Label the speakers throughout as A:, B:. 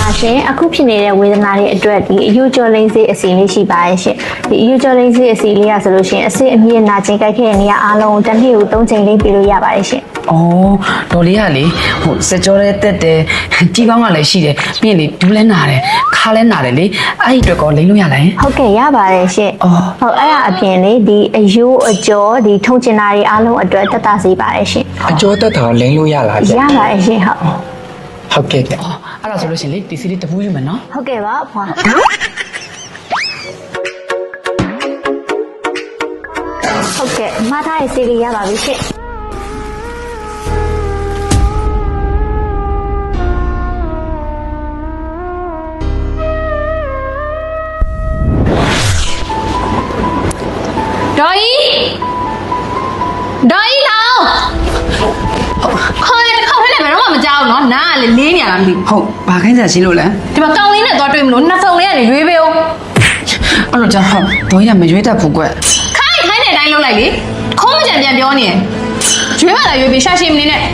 A: ပါရှင်အခုဖြစ်နေတဲ့ဝေဒနာတွေအတွက်ဒီအယူကျော်လိမ့်စေးအစီလေးရှိပါရဲ့ရှင်ဒီအယူကျော်လိမ့်စေးအစီလေးရဆိုလို့ရှင်အစစ်အမြင့်နာကျင်ကြိုက်ခဲ့တဲ့နေရာအားလုံးတစ်နေ့ကို3ချိန်လေးပြလို့ရပါတယ်ရှင်
B: ။အော်ဒေါ်လေးကလေဟိုစကြောလေးတက်တယ်ကြီးကောင်းကလည်းရှိတယ်ပြီးရင်လေဒူးလဲနာတယ်ခါလဲနာတယ်လေအဲ့ဒီအတွက်ကောလိမ့်လို့ရလားယင်
A: ဟုတ်ကဲ့ရပါတယ်ရှင်ဟုတ်အဲ့ဒါအပြင်လေဒီအယူအကျော်ဒီထုံကျင်တာတွေအားလုံးအတွက်တက်တာစေပါတယ်ရှင်
C: အကျော်တက်တာလိမ့်လို့ရလားဗျ
A: ရပါတယ်ရှင်
C: ဟုတ်ကဲ့ဗျ
B: အဲ့ဒါဆိုလို့ရှင်လေဒီစီလေးတပူးယူမယ်နော်
A: ဟုတ်ကဲ့ပါဖွာဟုတ်ကဲ့မထားရဲ့စီလေးရပါပြီရှင်
D: ဒေါ်ကြီးလောင်ခေါ်ရတစ်ခေါက်ထဲလည်းဘယ်တော့မှမကြောက်ဘူးနော်နားကလည်းလေးနေရတာမသိဘူး
B: ဟုတ်ဘာခိုင်းစားရှိလို့လဲ
D: ဒီမှာကောင်းလေးနဲ့သွားတွေ့မလို့နှစ်ဖုံလေးကနေရွေးပေးအောင်
B: အဲ့လိုကြောင့်ဟုတ်ဒေါ်ကြီးကမရွေးတတ်ဘူးကွ
D: ခိုင်းတဲ့အတိုင်းလုပ်လိုက်လေခုံးမကြံပြန်ပြောနေရွေးမှလာရွေးပေးရှာရှည်မနေနဲ့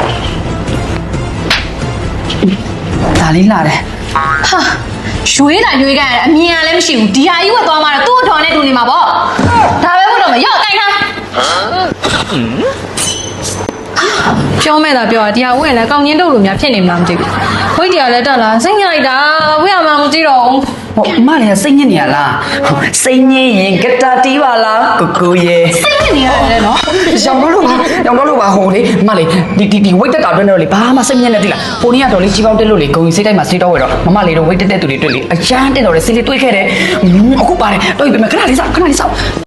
B: ဒါလေးလာတယ်
D: ဟာရွေးတာရွေးကြရအမြင်ကလည်းမရှိဘူးဒီဟာကြီးဝတ်သွားမှတော့သူ့အထော်နဲ့တူနေမှာပေါ့ဒါပဲဟုတ်တော့မရော့ကိုင်ထားပြောမဲ့တာပြောတာဒီဟာဝင့်လည်းကောင်းချင်းတုပ်လိုများဖြစ်နေမှမသိဘူးဝိတ်တရားလည်းတက်လာစိတ်ညစ်လိုက်တာဝင့်ရမှမကြည့်တော့ဘူး
B: ဟိုအမလည်းစိတ်ညစ်နေရလားစိတ်ညစ်ရင်ဂတာတီးပါလားကိုရဲ့
D: စိတ်ညစ်နေရတယ်နော်
B: ရောင်တော့လို့ပါဟိုလေအမလေးဒီဝိတ်တက်တာတွင်းတော့လေဘာမှစိတ်ညစ်နေသေးလားဟိုနေ့ကတော့လေကြီးပေါက်တက်လို့လေဂုံစိတ်တိုင်းမှာစိတ်တော့ဝဲတော့မမလေးတော့ဝိတ်တက်တဲ့သူတွေတွေ့လေအချမ်းတက်တော့လေစိတ်လေးတွေးခဲ့တယ်အခုပါတယ်တော့ပြီခဏလေးစောက်